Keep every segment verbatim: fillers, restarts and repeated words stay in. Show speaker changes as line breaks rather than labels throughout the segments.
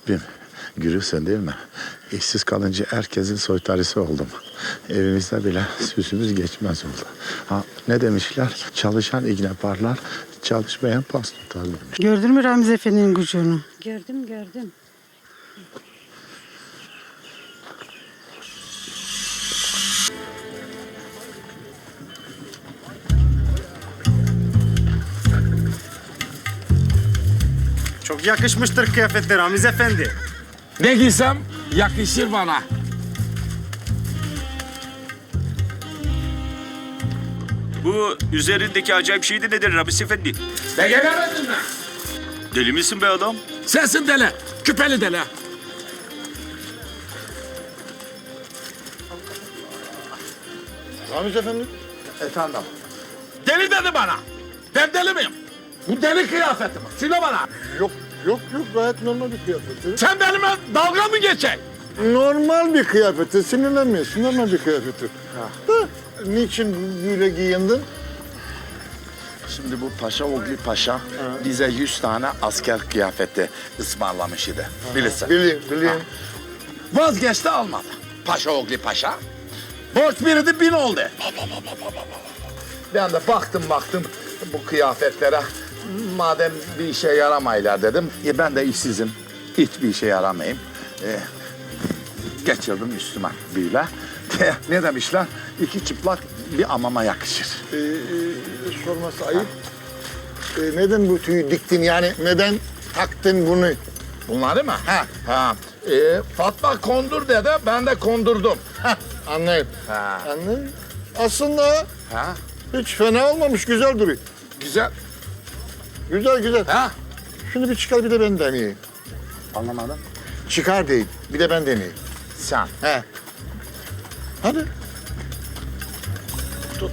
Rabbim görüyorsun değil mi? İşsiz kalınca herkesin soytarısı oldum. Evimizde bile süsümüz geçmez oldu. Ha, ne demişler? Çalışan iğne parlar, çalışmayan pas tutar demiş.
Gördün mü Ramiz Efendi'nin gücünü?
Gördüm gördüm.
Çok yakışmıştır kıyafetler Ramiz Efendi.
Ne giysem yakışır bana.
Bu üzerindeki acayip şey de nedir Ramiz Efendi?
Ne gelemedin mi?
Deli misin be adam?
Sensin deli. Küpeli deli.
Ramiz Efendi. Efendim.
Deli dedi bana. Ben deli miyim? Bu deli kıyafeti mi? Söyle bana.
Yok yok yok gayet normal bir kıyafeti.
Sen benimle dalga mı geçeceksin?
Normal bir kıyafeti, sinirlenmiyorsun, normal bir kıyafeti. Da, niçin böyle giyindin?
Şimdi bu Paşa Oğlu Paşa bize yüz tane asker kıyafeti ısmarlamış idi. Bilirsin.
Bileyim, bileyim.
Vazgeçti almadı. Paşa oğlu paşa. Borç biridi bin oldu. Ben de baktım baktım bu kıyafetlere. Madem bir işe yaramaylar dedim. E ben de işsizim. Hiçbir işe yaramayayım. E, geçirdim üstüme böyle. Ne demişler? İki çıplak bir amama yakışır.
Ee, e, sorması ayıp. Ee, neden bu tüyü diktin yani? Neden taktın bunu?
Bunları mı? Ha. ha. E, Fatma kondur dedi, ben de kondurdum.
Anlayın.
Ha.
Anlayın. Aslında
Ha.
hiç fena olmamış, güzel duruyor.
Güzel.
Güzel güzel.
Ha.
Şunu bir çıkar bir de ben deneyeyim.
Anlamadım.
Çıkar değil, bir de ben deneyeyim.
Sen.
He. Hadi.
Tut.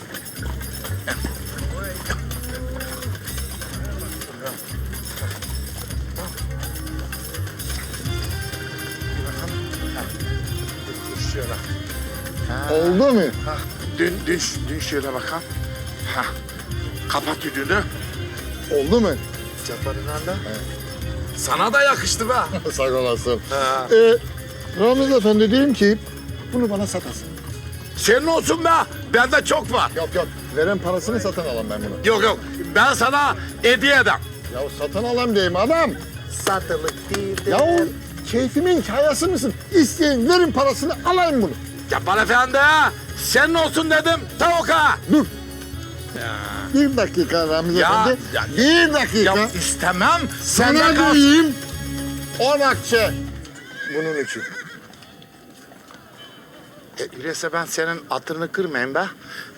Oldu mu?
Ha, dün, dün, dün şöyle bakalım. Ha, kapat düdüğünü.
Oldu mu?
Çaparından da. Sana da yakıştı be.
Sağ olasın.
Ha.
Ee, Ramiz Efendi diyeyim ki bunu bana satasın.
Senin olsun be. Bende çok var.
Yok yok. Veren parasını satın alayım ben bunu.
Yok yok. Ben sana hediye edem.
Ya satın alayım diyeyim adam.
Satılık değil.
Ya o keyfimin hikayesi misin? İsteyin verin parasını alayım bunu.
Yapar efendi. Senin olsun dedim. Tavuk ha.
Dur. Bir dakika Ramiz
Ya,
Efendi.
ya-
bir dakika.
Ya istemem.
Sana
Senden kalsın.
diyeyim. On akçe. Bunun için.
E, öyleyse ben senin hatırını kırmayayım be.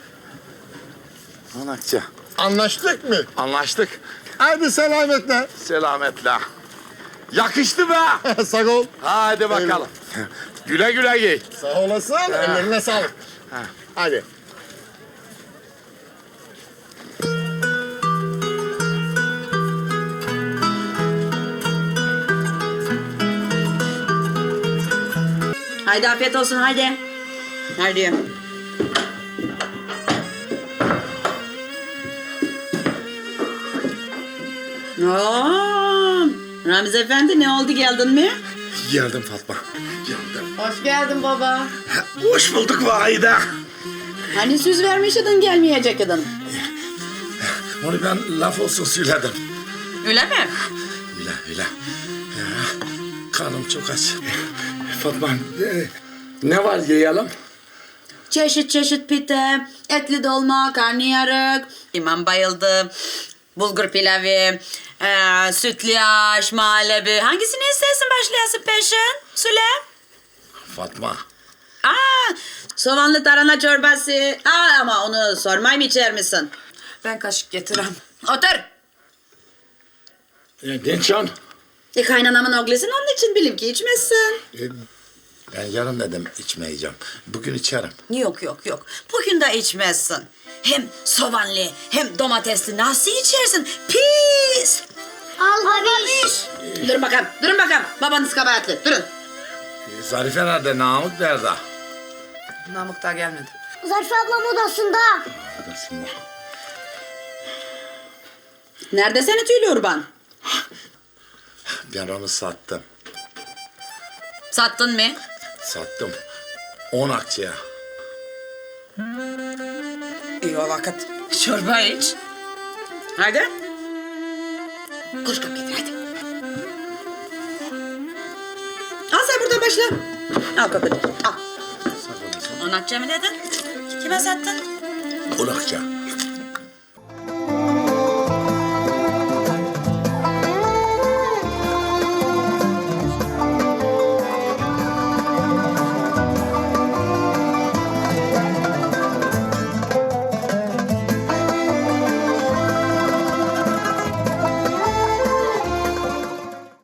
Anakça.
Anlaştık mı?
Anlaştık.
Hadi selametle.
Selametle. Yakıştı be.
Sağ ol.
Hadi bakalım. Güle güle giy.
Sağ olasın. Ellerine sağlık. Hadi.
Haydi afiyet olsun haydi. Haydi. Oo, Ramiz Efendi ne oldu geldin mi?
Geldim Fatma. Geldim.
Hoş geldin baba.
Hoş bulduk Vahide.
Hani söz vermişydin gelmeyecektin.
Onu ben laf olsun söyledim.
Öyle mi?
Öyle öyle. Ya, karnım çok aç. Fatma e, ne var yiyelim?
Çeşit çeşit pide, etli dolma, karnıyarık, imam bayıldı, bulgur pilavı, e, sütlaç, muhallebi. Hangisini istersin başlayasın peşin? Söyle.
Fatma.
Aa, soğanlı tarhana çorbası. Aa, ama onu sormayı mı içer misin?
Ben kaşık getirem.
Otur.
E, Dinçan.
E, kaynanamın oğlusun onun için bilim ki içmezsin.
E, ben yarın dedim içmeyeceğim. Bugün içerim.
Yok yok yok. Bugün de içmezsin. Hem soğanlı hem domatesli nasıl içersin? Pis.
Al babiş.
Durun bakalım, durun bakalım. Babanız kabahatli, durun.
E, Zarife nerede? Namık nerede?
Namık daha gelmedi.
Zarife ablam odasında.
Odasında.
Nerede seni tüylü urban?
Ben onu sattım.
Sattın mı?
Sattım. On akçeye.
İyi o vakit. Çorba iç. Hadi. Koş kap getir hadi. Al sen burada başla. Al kapını. Al. On akçe mi dedin? Kime sattın?
On akçe.